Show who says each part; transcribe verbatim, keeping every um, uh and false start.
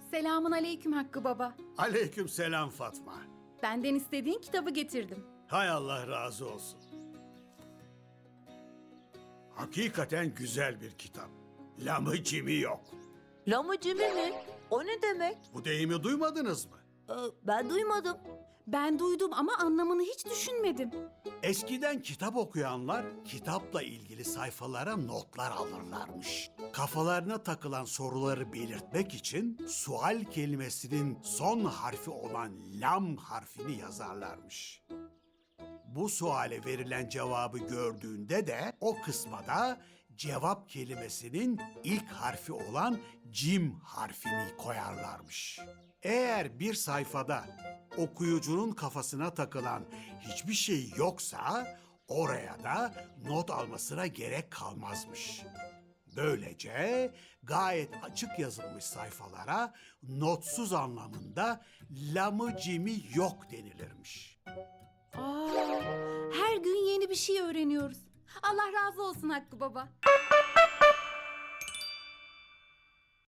Speaker 1: Selamun aleyküm Hakkı Baba.
Speaker 2: Aleyküm selam Fatma.
Speaker 1: Benden istediğin kitabı getirdim.
Speaker 2: Hay Allah razı olsun. Hakikaten güzel bir kitap. Lamı cimi yok.
Speaker 3: Lamıcımı mi? O ne demek?
Speaker 2: Bu deyimi duymadınız mı?
Speaker 3: Ee, ben duymadım.
Speaker 1: Ben duydum ama anlamını hiç düşünmedim.
Speaker 2: Eskiden kitap okuyanlar kitapla ilgili sayfalara notlar alırlarmış. Kafalarına takılan soruları belirtmek için sual kelimesinin son harfi olan lam harfini yazarlarmış. Bu suale verilen cevabı gördüğünde de o kısma da cevap kelimesinin ilk harfi olan cim harfini koyarlarmış. Eğer bir sayfada okuyucunun kafasına takılan hiçbir şey yoksa oraya da not almasına gerek kalmazmış. Böylece gayet açık yazılmış sayfalara notsuz anlamında lamı cimi yok denilirmiş.
Speaker 1: Aa, her gün yeni bir şey öğreniyoruz. Allah razı olsun Hakkı Baba.